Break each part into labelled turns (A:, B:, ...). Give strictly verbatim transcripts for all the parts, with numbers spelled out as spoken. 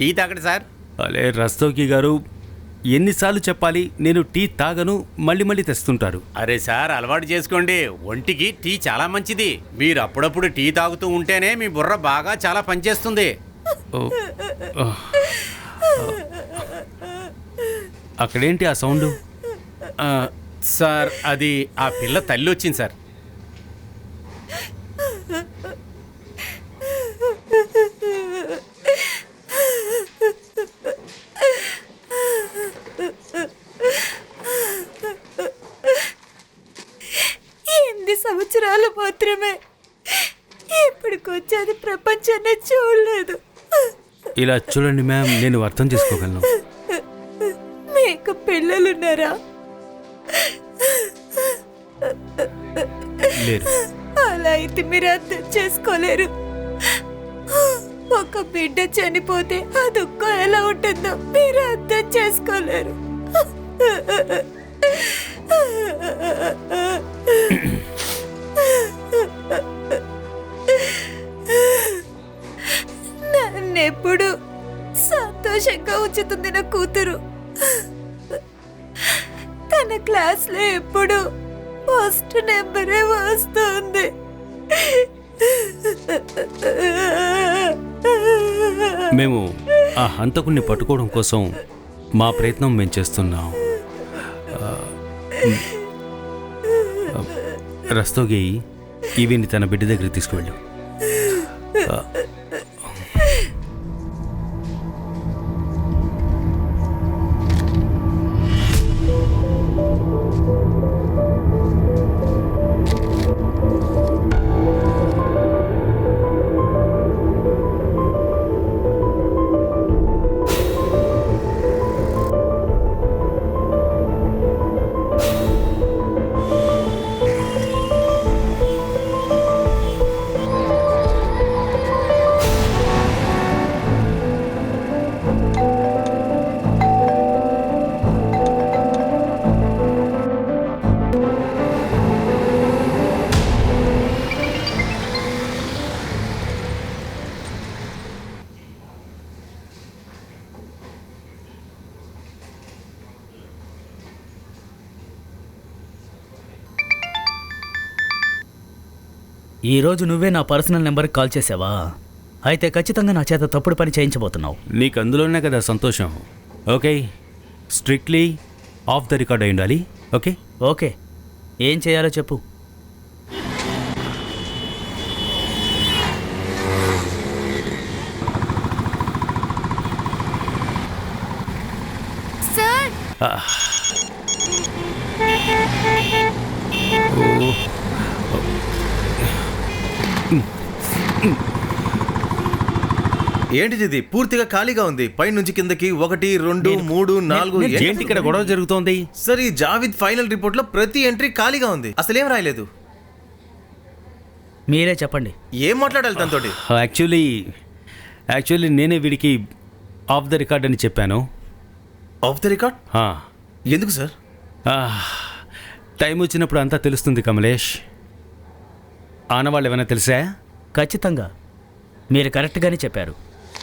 A: Tea తాగండి sir.
B: అలే రస్తోకి గారు, ఎన్నిసార్లు చెప్పాలి? నేను టీ తాగను, మళ్ళీ మళ్ళీ తెస్తుంటారు.
A: అరే సార్, అలవాటు చేసుకోండి. ఒంటికి టీ చాలా మంచిది. మీరు అప్పుడప్పుడు టీ తాగుతూ ఉంటేనే మీ బుర్ర బాగా చాలా పనిచేస్తుంది.
B: అక్కడేంటి ఆ సౌండ్?
A: సార్, అది ఆ పిల్ల తల్లి వచ్చింది సార్.
C: ఎనిమిది సంవత్సరాలు మాత్రమే. ఇప్పటికొచ్చేది ప్రపంచాన్ని చూడలేదు.
B: ఇలా చూడండి మ్యామ్, నేను అర్థం చేసుకోగలను.
C: మీకు పిల్లలున్నారా?
B: లేరు.
C: అలా అయితే మీరు అర్థం చేసుకోలేరు. ఒక బిడ్డ చనిపోతే ఆ దుఃఖం ఎలా ఉంటుందో మీరు అర్థం చేసుకోలేరు. నన్నెప్పుడు సంతోషంగా ఉంచుతుంది నా కూతురు. తన క్లాస్ లో ఎప్పుడు ఫస్ట్ నెంబరే వస్తుంది.
B: మేము ఆ హంతకుణ్ణి పట్టుకోవడం కోసం మా ప్రయత్నం మేము చేస్తున్నాం. రస్తోగి, ఈవిని తన బిడ్డ దగ్గరికి తీసుకువెళ్ళు.
D: ఈరోజు నువ్వే నా పర్సనల్ నెంబర్కి కాల్ చేసావా? అయితే ఖచ్చితంగా నా చేత తప్పుడు పని చేయించబోతున్నావు.
B: నీకు అందులోనే కదా సంతోషం. Okay, strictly off the record అయి ఉండాలి. ఓకే
D: ఓకే, ఏం చేయాలో చెప్పు.
C: సార్,
E: ఏంటిది? ఇది పూర్తిగా ఖాళీగా ఉంది. పై నుంచి కిందకి ఒకటి రెండు మూడు నాలుగు.
B: ఏంటి ఇక్కడ గొడవ జరుగుతోంది?
E: సార్, ఈ జావిద్ ఫైనల్ రిపోర్ట్ లో ప్రతి ఎంట్రీ ఖాళీగా ఉంది. అసలేం రాయలేదు.
D: మీరే చెప్పండి.
E: ఏం మాట్లాడాలి తనతోటి?
B: యాక్చువల్లీ యాక్చువల్లీ నేనే వీడికి ఆఫ్ ద రికార్డ్ అని చెప్పాను.
E: Off the record? ఎందుకు సార్?
B: టైం వచ్చినప్పుడు అంతా తెలుస్తుంది కమలేష్. ఆనవాళ్ళు ఏమైనా తెలుసా?
D: ఖచ్చితంగా మీరు కరెక్ట్గానే చెప్పారు.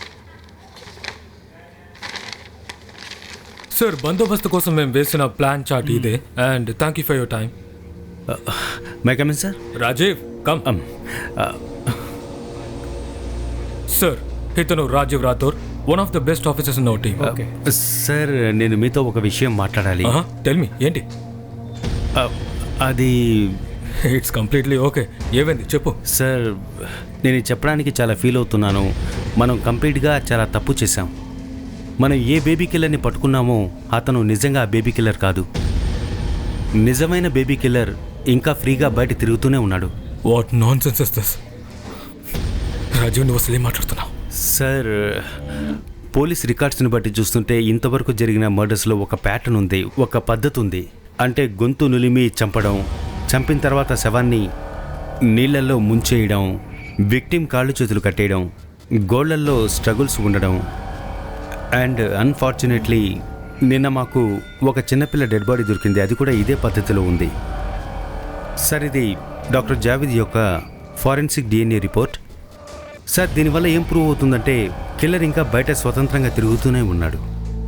F: సార్, బందోబస్తు కోసం మేము వేసిన ప్లాన్ చార్ట్ ఇదే. And thank you for your time.
B: May come in sir.
F: Rajiv, come. Sir, ఇతను Rajiv Rathore, one of the best officers in our team.
B: Okay sir, నేను మీతో ఒక విషయం మాట్లాడాలి.
F: టెల్ మీ, ఏంటి?
B: అది
F: ఇట్స్ కంప్లీట్లీ ఓకే. ఏమైంది చెప్పు.
B: సార్, నేను చెప్పడానికి చాలా ఫీల్ అవుతున్నాను. మనం కంప్లీట్గా చాలా తప్పు చేశాం. మనం ఏ బేబీ కిల్లర్ని పట్టుకున్నామో అతను నిజంగా ఆ బేబీ కిల్లర్ కాదు. నిజమైన బేబీ కిల్లర్ ఇంకా ఫ్రీగా బయట తిరుగుతూనే ఉన్నాడు.
F: What nonsense is this? Rajiv, నువ్వు అసలు ఏం మాట్లాడుతున్నావు?
B: సార్, పోలీస్ రికార్డ్స్ని బట్టి చూస్తుంటే ఇంతవరకు జరిగిన మర్డర్స్లో ఒక ప్యాటర్న్ ఉంది, ఒక పద్ధతి ఉంది. అంటే గొంతు నులిమి చంపడం, చంపిన తర్వాత శవాన్ని నీళ్లలో ముంచేయడం, విక్టిమ్ కాళ్ళు చేతులు కట్టేయడం, గోళ్లల్లో స్ట్రగుల్స్ ఉండడం. అండ్ అన్ఫార్చునేట్లీ నిన్న మాకు ఒక చిన్నపిల్ల డెడ్ బాడీ దొరికింది. అది కూడా ఇదే పద్ధతిలో ఉంది. సార్, ఇది డాక్టర్ జావేద్ యొక్క ఫారెన్సిక్ డిఎన్ఏ రిపోర్ట్. సార్, దీనివల్ల ఏం ప్రూవ్ అవుతుందంటే కిల్లర్ ఇంకా బయట స్వతంత్రంగా తిరుగుతూనే ఉన్నాడు.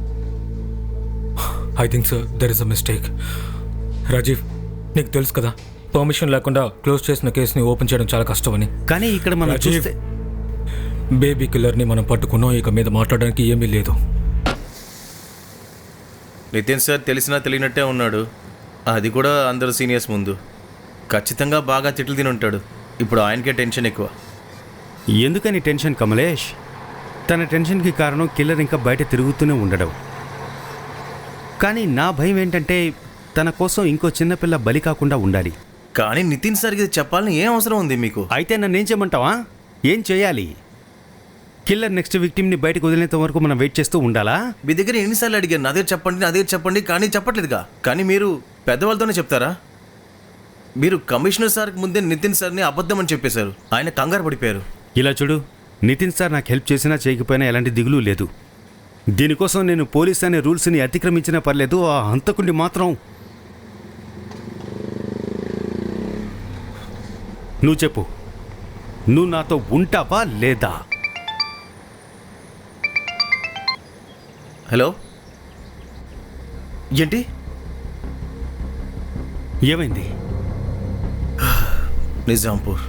F: I think sir there is a mistake. Rajiv, నీకు తెలుసు కదా పర్మిషన్ లేకుండా క్లోజ్ చేసిన కేసుని ఓపెన్ చేయడం చాలా కష్టమని.
B: కానీ ఇక్కడ మనం
F: రాజీవ్,
B: చూస్తే
F: బేబీ కిల్లర్ని మనం పట్టుకున్నాం. ఇక మీద మాట్లాడడానికి ఏమీ లేదు.
E: నితిన్ సార్ తెలిసినా తెలియనట్టే ఉన్నాడు, అది కూడా అందరు సీనియర్స్ ముందు. ఖచ్చితంగా బాగా తిట్లు తిని ఉంటాడు. ఇప్పుడు ఆయనకే టెన్షన్ ఎక్కువ.
B: ఎందుకని టెన్షన్ కమలేష్? తన టెన్షన్కి కారణం కిల్లర్ ఇంకా బయట తిరుగుతూనే ఉండడం. కానీ నా భయం ఏంటంటే తన కోసం ఇంకో చిన్నపిల్ల బలి కాకుండా ఉండాలి.
E: కానీ నితిన్ సార్కి ఇది చెప్పాలని ఏం అవసరం ఉంది మీకు?
B: అయితే నన్ను ఏం చేయమంటావా? ఏం చేయాలి? కిల్లర్ నెక్స్ట్ విక్టిమ్ని బయటకు వదిలేంత వరకు మనం వెయిట్ చేస్తూ ఉండాలా?
E: మీ దగ్గర ఎన్నిసార్లు అడిగాను అదే చెప్పండి అదే చెప్పండి, కానీ చెప్పట్లేదుగా. కానీ మీరు పెద్దవాళ్ళతోనే చెప్తారా? మీరు కమిషనర్ సార్కి ముందే నితిన్ సార్ని అబద్ధం అని చెప్పేశారు. ఆయన కంగారు పడిపోయారు.
B: ఇలా చూడు, నితిన్ సార్ నాకు హెల్ప్ చేసినా చేయకపోయినా ఎలాంటి దిగులు లేదు. దీనికోసం నేను పోలీస్ అనే రూల్స్ని అతిక్రమించినా పర్లేదు, ఆ హంతకుడిని మాత్రం. నువ్వు చెప్పు, నువ్వు నాతో ఉంటావా లేదా?
E: హలో, ఏంటి
B: ఏమైంది?
E: నిజాంపూర్.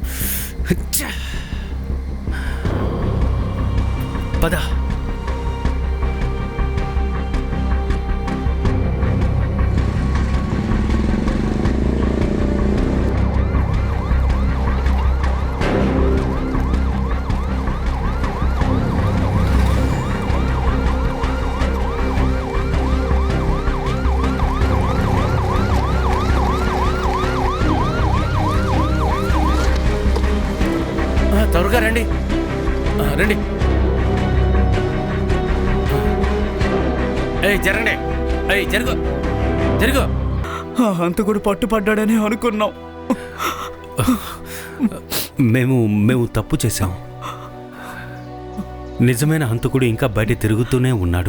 B: పద.
A: త్వరగా రండి, ఆ, రండి. ఏయ్ జరగండి, ఏయ్ జరుగు జరుగు.
D: ఆ హంతకుడు పట్టుపడ్డాడని అనుకున్నాం.
B: మేము మేము తప్పు చేశాం. నిజమైన హంతకుడు ఇంకా బయట తిరుగుతూనే ఉన్నాడు.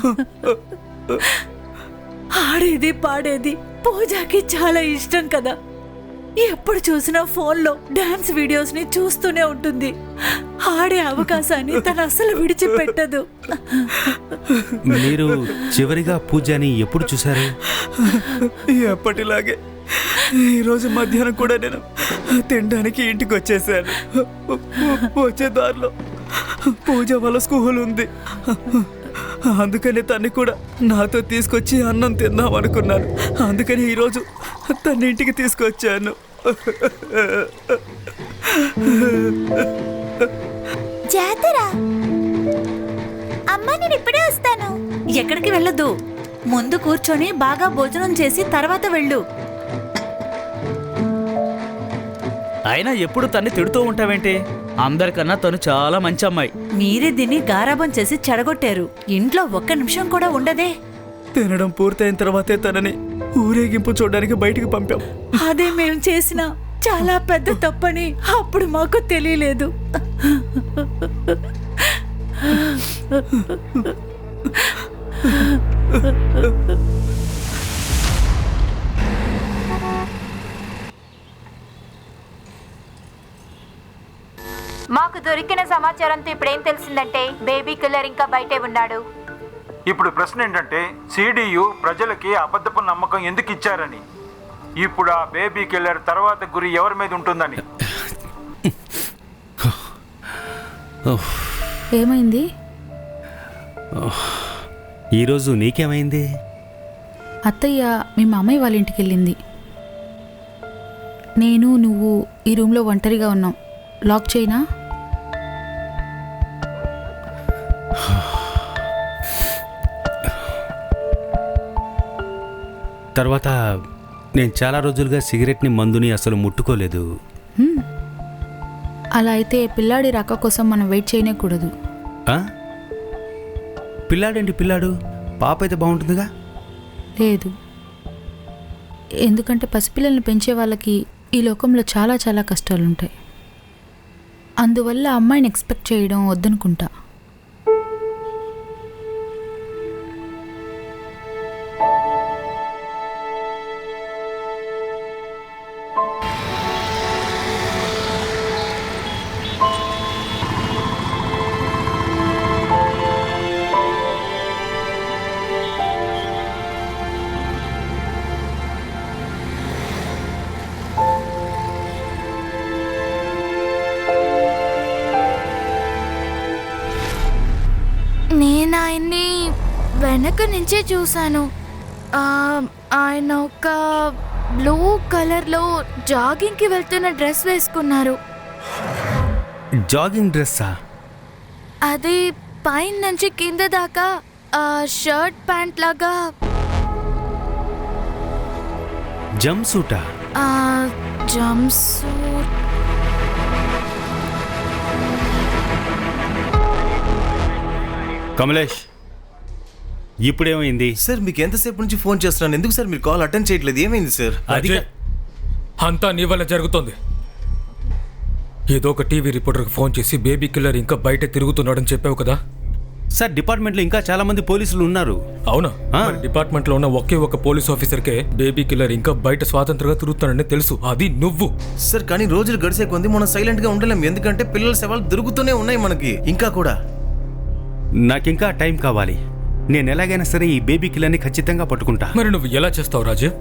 C: ఆడేది పాడేది పూజకి చాలా ఇష్టం కదా. ఎప్పుడు చూసినా ఫోన్లో డాన్స్ వీడియోస్ ని చూస్తూనే ఉంటుంది. ఆడే అవకాశాన్ని తను అసలు విడిచిపెట్టదు.
B: మీరు చివరిగా పూజని ఎప్పుడు చూశారు?
D: ఎప్పటిలాగే ఈరోజు మధ్యాహ్నం కూడా నేను తినడానికి ఇంటికి వచ్చేసాను. వచ్చే దారిలో పూజ వాళ్ళ స్కూల్ ఉంది, అందుకని తన్ని కూడా నాతో తీసుకొచ్చి అన్నం తిందాం అనుకున్నాను. అందుకని ఈరోజు తన ఇంటికి తీసుకొచ్చాను.
C: జాతర అమ్మా, నేను ఇప్పుడే వస్తాను. ఎక్కడికి వెళ్ళొద్దు, ముందు కూర్చొని బాగా భోజనం చేసి తర్వాత వెళ్ళు.
D: అయినా ఎప్పుడు తన్ని తిడుతూ ఉంటావేంటి? అందరికన్నా తను చాలా మంచి అమ్మాయి.
C: మీరే దీన్ని గారాబం చేసి చెడగొట్టారు. ఇంట్లో ఒక్క నిమిషం కూడా ఉండదే.
D: తినడం పూర్తయిన తర్వాతే తనని ఊరేగింపు చూడడానికి బయటికి పంపాం.
C: అదే మేము చేసిన చాలా పెద్ద తప్పని అప్పుడు మాకు తెలియలేదు.
G: మాకు దొరికిన సమాచారంతో ఇప్పుడేం తెలిసిందంటే బేబీ కిల్లర్ ఇంకా బయటే ఉన్నాడు.
H: ఇప్పుడు ప్రశ్న ఏంటంటే సిడియు ప్రజలకి అబద్ధపు నమ్మకం ఎందుకు ఇచ్చారని. ఇప్పుడు ఆ బేబీ కిల్లర్ తర్వాత గురి ఎవరి మీద ఉంటుందని.
I: ఏమైంది?
B: ఈరోజు నీకేమైంది?
I: అత్తయ్య మీ మామయ్య వాళ్ళ ఇంటికి వెళ్ళింది. నేను నువ్వు ఈ రూమ్లో ఒంటరిగా ఉన్నాం. లాక్ చేయనా?
B: తర్వాత నేను చాలా రోజులుగా సిగరెట్ని మందుని అసలు ముట్టుకోలేదు.
I: హ్మ్. అలా అయితే పిల్లాడి రాక కోసం మనం వెయిట్ చేయనేకూడదు.
B: ఆ? పిల్లాడేంటి పిల్లాడు? పాప అయితే బాగుంటుందిగా.
I: లేదు, ఎందుకంటే పసిపిల్లల్ని పెంచే వాళ్ళకి ఈ లోకంలో చాలా చాలా కష్టాలుంటాయి. అందువల్ల అమ్మాయిని ఎక్స్పెక్ట్ చేయడం వద్దనుకుంటా.
J: నేను ఆయన్ని వెనక నుంచే చూశాను. ఆ, ఆయన ఒక బ్లూ కలర్లో జాగింగ్కి వెళ్తున్న డ్రెస్ వేసుకున్నారు.
B: జాగింగ్ డ్రెస్సా?
J: అది పైన నుంచి కింద దాకా ఆ, షర్ట్ ప్యాంట్ లాగా.
B: జంప్ సూటా?
J: ఆ, జంప్ సూట్.
B: కమలేష్, ఇప్పుడేమైంది?
E: సార్ మీకు ఎంతసేపు నుంచి ఫోన్ చేస్తున్నాను, ఎందుకు సార్ మీరు కాల్ అటెండ్ చేయట్లేదు? ఏమైంది సార్?
B: అది
F: అజయ్, అంతా నీ వల్ల జరుగుతోంది. ఏదో ఒక టీవీ రిపోర్టర్కి ఫోన్ చేసి బేబీ కిల్లర్ ఇంకా బయట తిరుగుతున్నాడని చెప్పావు కదా.
B: సార్, డిపార్ట్మెంట్లో ఇంకా చాలా మంది పోలీసులు ఉన్నారు.
F: అవునా?
B: ఆ.
F: మరి డిపార్ట్మెంట్లో ఉన్న ఒకే ఒక పోలీస్ ఆఫీసర్కే బేబీ కిల్లర్ ఇంకా బయట స్వాతంత్రంగా తిరుగుతున్నాడని తెలుసు. అది నువ్వు.
E: సార్ కానీ రోజులు గడిచే కొంది మనం సైలెంట్ గా ఉండలేం, ఎందుకంటే పిల్లల సవాళ్ళు దొరుకుతూనే ఉన్నాయి మనకి ఇంకా కూడా.
B: నాకింకా టైం కావాలి. నేను ఎలాగైనా సరే ఈ బేబీ కిల్లర్ని ఖచ్చితంగా పట్టుకుంటా.
F: మరి నువ్వు ఎలా చేస్తావు రాజీవ్?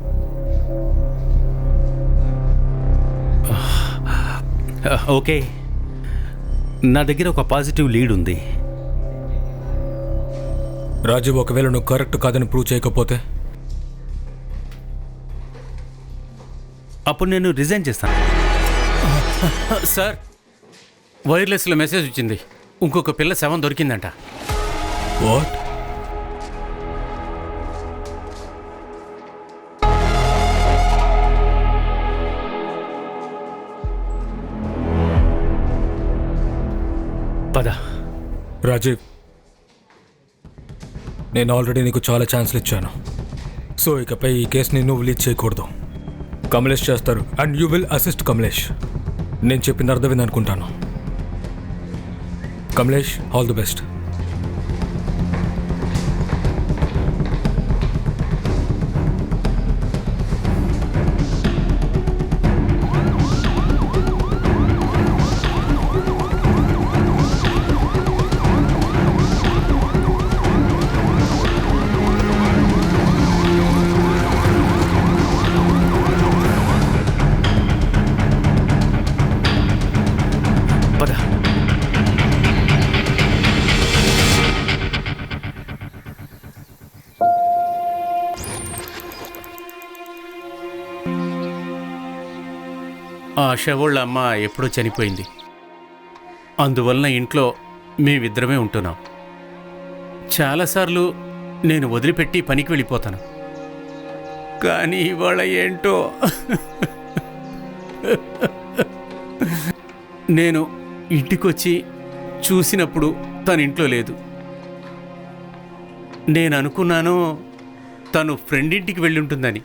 B: ఓకే, నా దగ్గర ఒక పాజిటివ్ లీడ్ ఉంది.
F: రాజీవ్, ఒకవేళ నువ్వు కరెక్ట్ కాదని ప్రూవ్ చేయకపోతే
B: అప్పుడు నేను రిజైన్ చేస్తాను.
A: సార్, వైర్లెస్లో మెసేజ్ వచ్చింది. ఇంకొక పిల్ల శవం దొరికిందంట.
F: వాట్?
B: పద.
F: రాజీవ్, నేను ఆల్రెడీ నీకు చాలా ఛాన్స్లు ఇచ్చాను. సో ఇకపై ఈ కేసుని నువ్వు లీడ్ చేయకూడదు. కమలేష్ చేస్తారు and you will assist Kamlesh. నేను చెప్పింది అర్థమైంది అనుకుంటాను. Kamlesh, all the best.
B: పద.
A: ఆ శవోళ్ళ అమ్మ ఎప్పుడో చనిపోయింది. అందువలన ఇంట్లో మేమిద్దరమే ఉంటున్నాం. చాలాసార్లు నేను వదిలిపెట్టి పనికి వెళ్ళిపోతాను. కానీ ఇవాళ ఏంటో నేను ఇంటికొచ్చి చూసినప్పుడు తన ఇంట్లో లేదు. నేను అనుకున్నాను తను ఫ్రెండ్ ఇంటికి వెళ్ళి ఉంటుందని.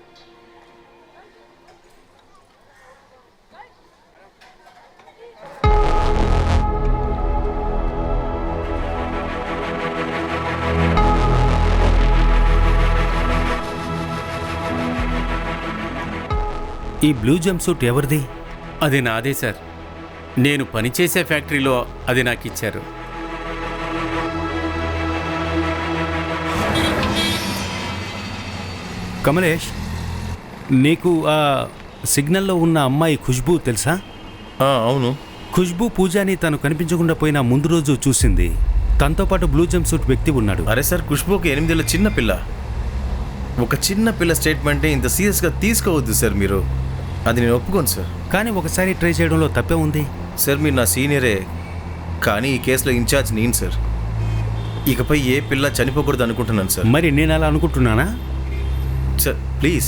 B: ఈ బ్లూ జంప్ సూట్ ఎవరిది?
A: అది నాదే సార్. నేను పనిచేసే ఫ్యాక్టరీలో అది నాకు ఇచ్చారు.
B: కమలేష్, నీకు ఆ సిగ్నల్లో ఉన్న అమ్మాయి ఖుష్బూ తెలుసా?
E: ఆ, అవును.
B: ఖుష్బూ పూజాని తను కనిపించకుండా పోయిన ముందు రోజు చూసింది. తనతో పాటు బ్లూ జంప్ సూట్ వ్యక్తి ఉన్నాడు.
E: అరే సార్, ఖుష్బూకి ఎనిమిదేళ్ళ చిన్న పిల్ల. ఒక చిన్న పిల్ల స్టేట్మెంటే ఇంత సీరియస్గా తీసుకోవద్దు సార్ మీరు. అది నేను ఒప్పుకోను సార్.
B: కానీ ఒకసారి ట్రై చేయడంలో తప్పే ఉంది.
E: సార్ మీరు నా సీనియరే, కానీ ఈ కేసులో ఇన్ఛార్జ్ నేను సార్. ఇకపై ఏ పిల్ల చనిపోకూడదు అనుకుంటున్నాను సార్.
B: మరి నేను అలా అనుకుంటున్నానా?
E: Sir please.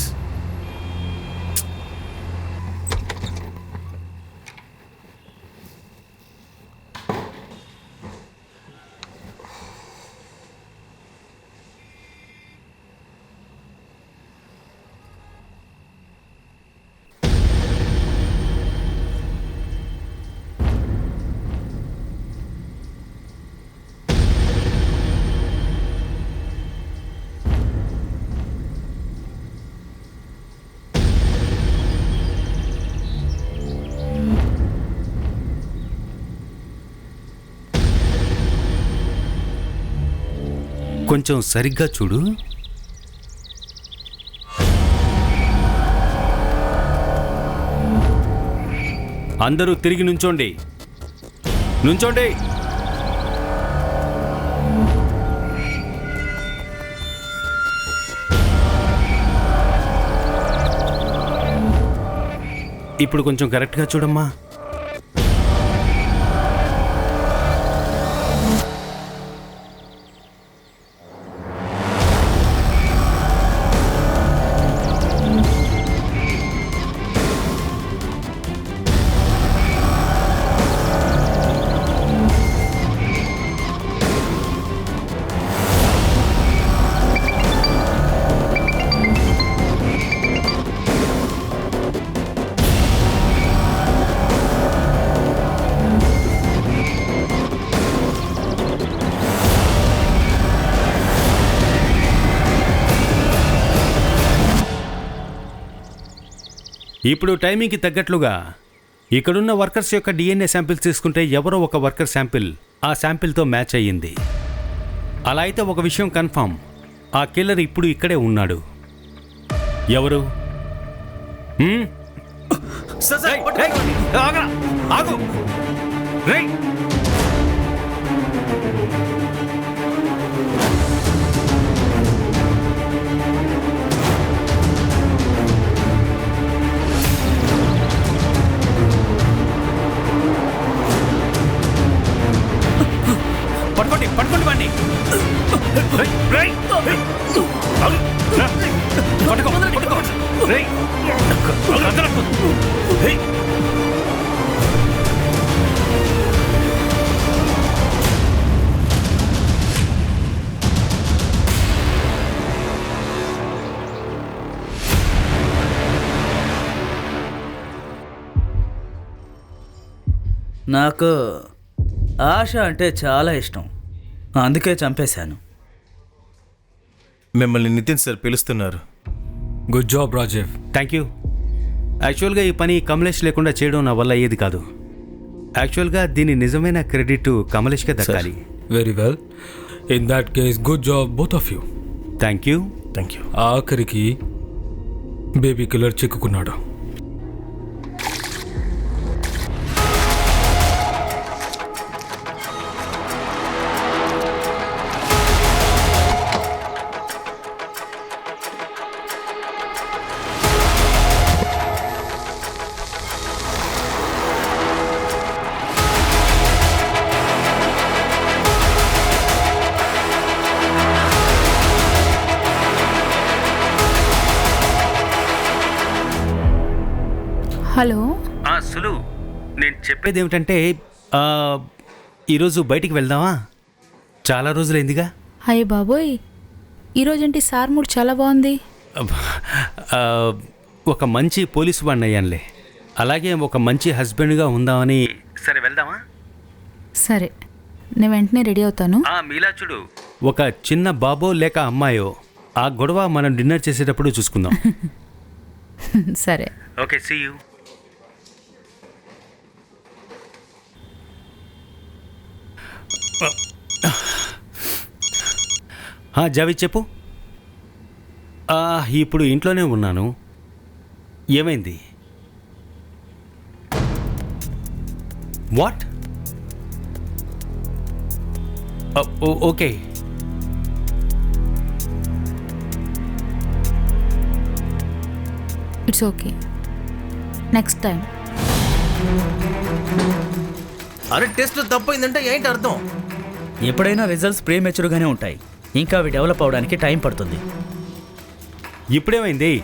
B: కొంచెం సరిగ్గా చూడు. అందరూ తిరిగి నుంచోండి. నుంచోండి. ఇప్పుడు కొంచెం కరెక్ట్గా చూడమ్మా. ఇప్పుడు టైమింగ్కి తగ్గట్లుగా ఇక్కడున్న వర్కర్స్ యొక్క డిఎన్ఏ శాంపిల్స్ తీసుకుంటే ఎవరో ఒక వర్కర్ శాంపిల్ ఆ శాంపిల్తో మ్యాచ్ అయ్యింది. అలా అయితే ఒక విషయం కన్ఫామ్, ఆ కిల్లర్ ఇప్పుడు ఇక్కడే ఉన్నాడు. ఎవరు? హ్మ్? రేయ్, రేయ్, ఆగరా, ఆగు. రేయ్. పట్టుకోండి పట్టుకోండి వాడిని. పట్టుకో పట్టుకో. రేయ్. రేయ్.
D: నాకు ఆశ అంటే చాలా ఇష్టం, అందుకే చంపేశాను.
E: మిమ్మల్ని నితిన్ సార్ పిలుస్తున్నారు.
F: Good job Rajiv.
B: Thank you. యాక్చువల్గా ఈ పని కమలేష్ లేకుండా చేయడం నా వల్ల అయ్యేది కాదు. యాక్చువల్గా దీని నిజమైన క్రెడిట్ కమలేష్కే దక్కాలి.
F: Very well, in that case good job both of you.
B: Thank you.
E: Thank you.
F: ఆఖరికి బేబీ కిల్లర్ చిక్కుకున్నాడు.
I: హలో.
B: సులు, నేను చెప్పేది ఏమిటంటే ఈరోజు బయటికి వెళ్దామా? చాలా రోజులైందిగా.
I: అయ్య బాబోయ్, ఈరోజేంటి సార్ మూడ్ చాలా బాగుంది.
B: ఆ, ఒక మంచి పోలీసు వాడిని అయ్యానులే, అలాగే ఒక మంచి హస్బెండ్గా ఉందామని. సరే వెళ్దామా?
I: సరే, నేను వెంటనే రెడీ అవుతాను.
B: మీలా చూడు, ఒక చిన్న బాబో లేక అమ్మాయో ఆ గొడవ మనం డిన్నర్ చేసేటప్పుడు చూసుకుందాం.
I: సరే.
B: Okay, see you. జావేద్ చెప్పు. ఇప్పుడు ఇంట్లోనే ఉన్నాను. ఏమైంది? What? Okay.
I: It's okay, next time.
E: అరే టెస్ట్ తప్పైందంటే ఏంటి అర్థం?
D: ఎప్పుడైనా రిజల్ట్స్ ప్రీమెచ్యూర్గానే ఉంటాయి, ఇంకా అవి డెవలప్ అవడానికి టైం పడుతుంది.
B: ఇప్పుడేమైంది?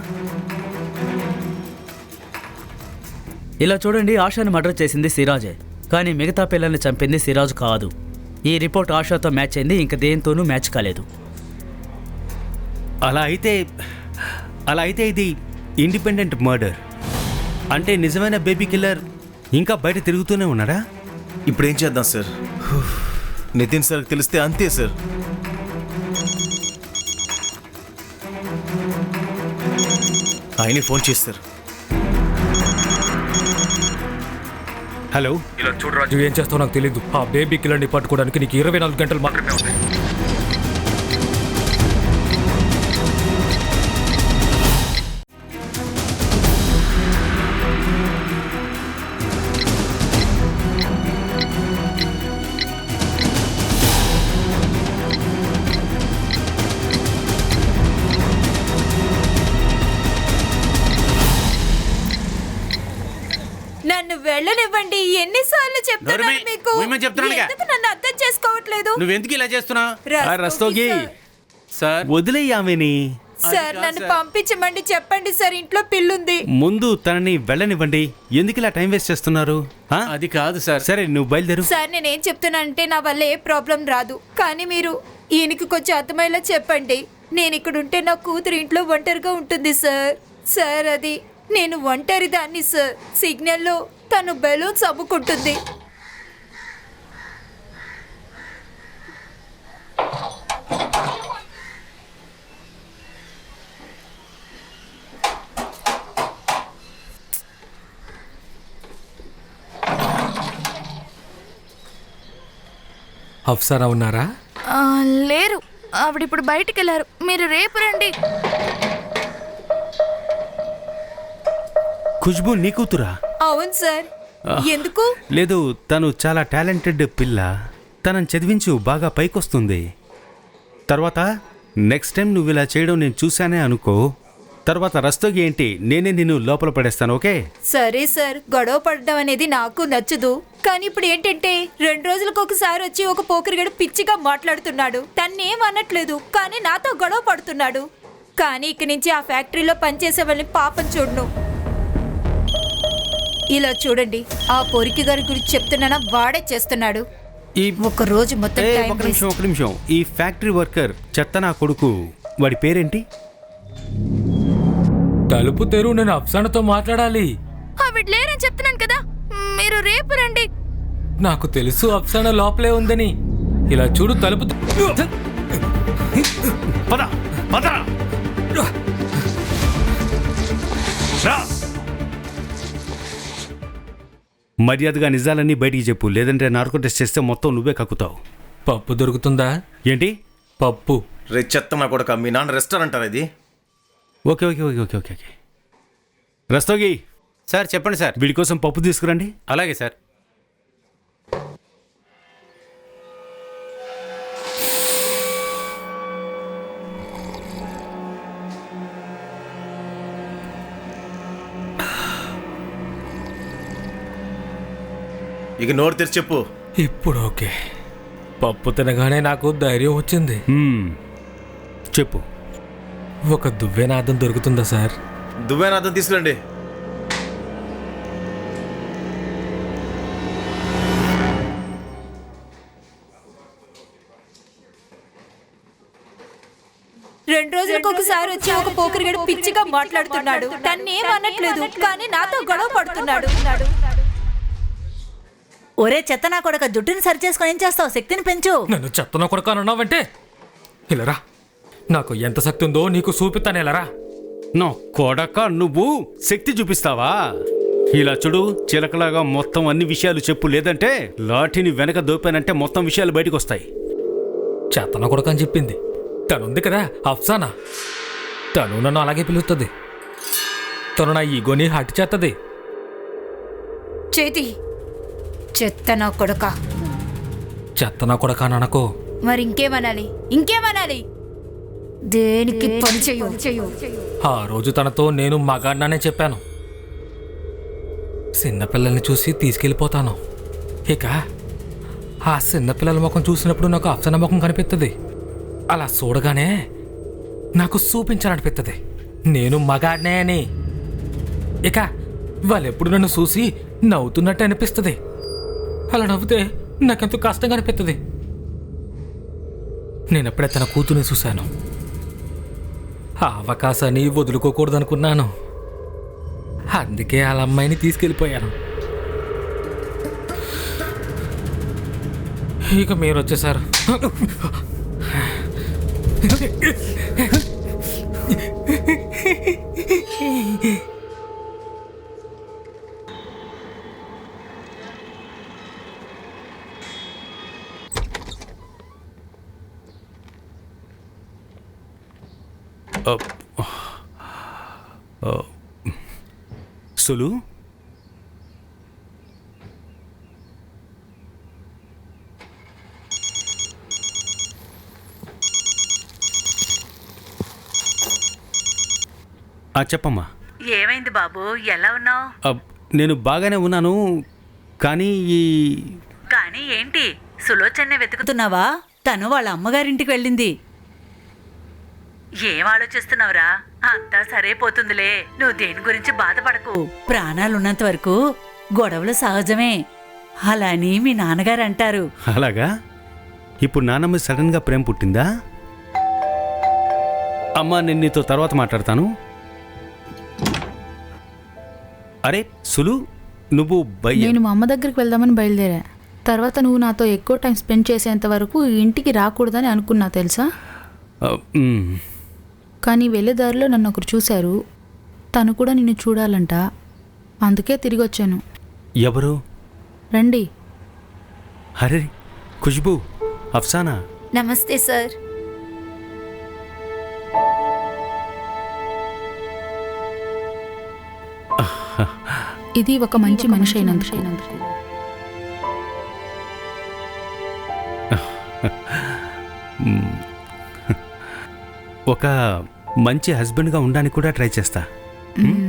D: ఇలా చూడండి, ఆశాని మర్డర్ చేసింది సిరాజే, కానీ మిగతా పిల్లల్ని చంపింది సిరాజ్ కాదు. ఈ రిపోర్ట్ ఆశాతో మ్యాచ్ అయింది, ఇంక దేంతోనూ మ్యాచ్ కాలేదు.
B: అలా అయితే అలా అయితే ఇది ఇండిపెండెంట్ మర్డర్ అంటే నిజమైన బేబీ కిల్లర్ ఇంకా బయట తిరుగుతూనే ఉన్నాడా?
E: ఇప్పుడు ఏం చేద్దాం సార్? నితిన్ సార్కి తెలిస్తే అంతే సార్. ఆయనే ఫోన్ చేస్తారు.
B: హలో.
F: ఇలా చూడు రాజు, ఏం చేస్తావు నాకు తెలీదు. ఆ బేబీ కిల్లర్ని పట్టుకోవడానికి నీకు ఇరవై నాలుగు గంటలు మాత్రమే ఉన్నాయి.
K: వెళ్ళనివ్వండి. ఎన్నిసార్లు చెప్తున్నాను
A: నోరుమై,
K: మీకు?
A: ఉయ్యమని చెప్తున్నానుగా.
K: ఎందుకు నన్ను అర్థం చేసుకోవట్లేదు?
A: నువ్వెందుకు ఇలా చేస్తున్నావు?
K: రస్తోగి
B: రస్తోగి
K: సార్.
A: సార్
B: వదిలేయి ఆమెని.
K: సార్ నన్ను పంపించమండి, చెప్పండి సార్, ఇంట్లో పిల్లుంది.
B: ముందు తనని వెళ్ళనివ్వండి. ఎందుకు ఇలా టైం వేస్ట్ చేస్తున్నారు? ఆ?
A: అది కాదు సార్.
B: సరే నువ్వు బయలుదేరు.
K: సార్ నేనేం చెప్తున్నానంటే నా వల్ల ఏ ప్రాబ్లం రాదు, కానీ మీరు ఈయనకి కొంచెం అర్థమయ్యేలా చెప్పండి. నేను ఇక్కడ ఉంటే నా కూతురు ఇంట్లో ఒంటరిగా ఉంటుంది సార్. సార్ అది నేను ఒంటరి దాన్ని సార్. సిగ్నల్లో తను బెలూన్స్ అమ్ముకుంటుంది.
F: అఫ్సానా ఉన్నారా?
J: ఆ, లేరు, ఆవిడ ఇప్పుడు బయటికి వెళ్ళారు. మీరు రేపు రండి.
B: ఖుష్బు నీ కూతురా?
K: అవును సార్. ఎందుకు?
B: లేదు, తను చాలా టాలెంటెడ్ పిల్ల. తనని చదివించు, బాగా పైకొస్తుంది. తర్వాత నెక్స్ట్ టైం నువ్వు ఇలా చేయడం నేను చూశానే అనుకో. తర్వాత రస్తోగి ఏంటి, నేనే నిన్ను లోపల పడేస్తాను. ఓకే?
K: సరే సార్, గొడవ పడడం అనేది నాకు నచ్చదు. కానీ ఇప్పుడు ఏంటంటే రెండు రోజులకు ఒకసారి వచ్చి ఒక పోకిరిగడు పిచ్చిగా మాట్లాడుతున్నాడు. తన్నేం అనట్లేదు, కానీ నాతో గొడవ పడుతున్నాడు. కానీ ఇక నుంచి ఆ ఫ్యాక్టరీలో పనిచేసే వాళ్ళని పాపం చూడను. ఇలా చూడండి, ఆ పొరికి గారి గురించి చెప్తున్నానా, వాడే చేస్తున్నాడు.
B: ఈ
K: ఒక రోజు మొత్తం
B: ఏ,
K: టైం
B: ఒక నిమిషం ఒక నిమిషం ఈ ఫ్యాక్టరీ వర్కర్ చెత్త నా కొడుకు, వాడి పేరేంటి?
F: తలుపు తెరు, నేను అఫ్సానాతో మాట్లాడాలి.
J: ఆవిడ లేరని చెప్తున్నాను కదా, మీరు రేపు రండి.
F: నాకు తెలుసు అఫ్సానా లోపలే ఉందని. ఇలా చూడు, తలుపు తె-
B: పద పద రా. మర్యాదగా నిజాలన్నీ బయటికి చెప్పు, లేదంటే నార్కో టెస్ట్ చేస్తే మొత్తం నువ్వే కక్కుతావు.
F: పప్పు దొరుకుతుందా?
B: ఏంటి
F: పప్పు?
E: రే చెత్త నా కొడుక, మీ నాన్న రెస్టారెంట్ అది.
B: Okay okay okay okay okay okay Rastogi,
A: sir చెప్పండి సార్.
B: వీడి కోసం పప్పు తీసుకురండి.
A: అలాగే సార్.
E: ఇక నోరు తెరిచి చెప్పు.
F: ఇప్పుడు ఓకే. పప్పు తినగానే నాకు ధైర్యం వచ్చింది.
B: మ్మ్. చెప్పు.
F: ఒక దువ్వెనాదం దొరుకుతుందా సార్?
E: దువ్వేనాథం తీసుకురండి.
K: రెండు రోజులకు ఒకసారి వచ్చి ఒక పోకిరిగడు పిచ్చిగా మాట్లాడుతున్నాడు. తన్నేం అనట్లేదు, కానీ నాతో గొడవ పడుతున్నాడు.
C: ఒరే చెత్త నా కొడక, జుట్టుని సరి చేసుకొని ఏం చేస్తావు? శక్తిని పెంచు.
F: నన్ను చెత్తన కొడుకు అని అన్నావంటే ఇలారా, నాకు ఎంత శక్తి ఉందో నీకు చూపిస్తాను. ఇలారా.
B: నా కొడక, నువ్వు శక్తి చూపిస్తావా? ఇలా చూడు, చిలకలాగా మొత్తం అన్ని విషయాలు చెప్పు, లేదంటే లాఠీని వెనక దోపానంటే మొత్తం విషయాలు బయటకు వస్తాయి.
F: చెత్తన కొడుకు అని చెప్పింది తనుంది కదా, అఫ్సానా. తను నన్ను అలాగే పిలుస్తుంది. తను నా ఈగోని హట్ చేస్తుంది.
K: చేతి చెత్త నా కొడక.
F: చెత్తన కొడుకు అని అనకో.
K: మరి ఇంకేమనాలి? ఇంకేమనాలి? దేనికి పని చెయ్యు.
F: ఆ రోజు తనతో నేను మగాడినానే చెప్పాను. చిన్నపిల్లల్ని చూసి తీసుకెళ్ళిపోతాను. ఇక ఆ చిన్నపిల్లల ముఖం చూసినప్పుడు నాకు అఫ్సానా ముఖం కనిపిస్తుంది. అలా చూడగానే నాకు చూపించాలనిపిస్తుంది నేను మగాడినే అని. ఇక వాళ్ళెప్పుడు నన్ను చూసి నవ్వుతున్నట్టు అనిపిస్తుంది. అలా నవ్వుతే నాకెంతో కష్టంగా అనిపిస్తుంది. నేనప్పుడే తన కూతుర్ని చూశాను. ఆ అవకాశాన్ని వదులుకోకూడదనుకున్నాను. అందుకే వాళ్ళ అమ్మాయిని తీసుకెళ్ళిపోయాను. ఇక మీరు వచ్చేసారు.
B: సులు, చెప్పమ్మా.
C: ఏమైంది బాబు, ఎలా ఉన్నావు?
B: నేను బాగానే ఉన్నాను, కానీ ఈ
C: కానీ ఏంటి సులోచన్నే వెతుకుతున్నావా? తను వాళ్ళ అమ్మగారింటికి వెళ్ళింది. ఏం ఆలోచిస్తున్నావురా? అంతా సరైపోతుందిలే, నువ్వు దేని గురించి బాధపడకు. ప్రాణాలున్నంత వరకు గొడవలు సహజమే, అలా అని మీ నాన్నగారు అంటారు.
B: అలాగా? ఇప్పుడు నాన్నమ్మ సడన్గా ప్రేమ పుట్టిందా? అమ్మా, నేను నీతో తర్వాత మాట్లాడతాను. అరే సులు, నువ్వు బయ
I: నేను మా అమ్మ దగ్గరికి వెళ్దామని బయలుదేరా. తర్వాత నువ్వు నాతో ఎక్కువ టైం స్పెండ్ చేసేంత వరకు ఈ ఇంటికి రాకూడదని అనుకున్నా తెలుసా.
B: ఆ, మ్,
I: కానీ వెళ్ళేదారిలో నన్ను ఒకరు చూశారు. తను కూడా నిన్ను చూడాలంట, అందుకే తిరిగి వచ్చాను.
B: ఎవరు?
I: రండి.
B: అరే ఖుష్బూ, అఫ్సానా.
K: నమస్తే సార్.
I: ఇది ఒక మంచి మనిషి అయినందుకు.
B: మ్, ఒక మంచి హస్బెండ్గా ఉండడానికి కూడా ట్రై చేస్తా. మ్?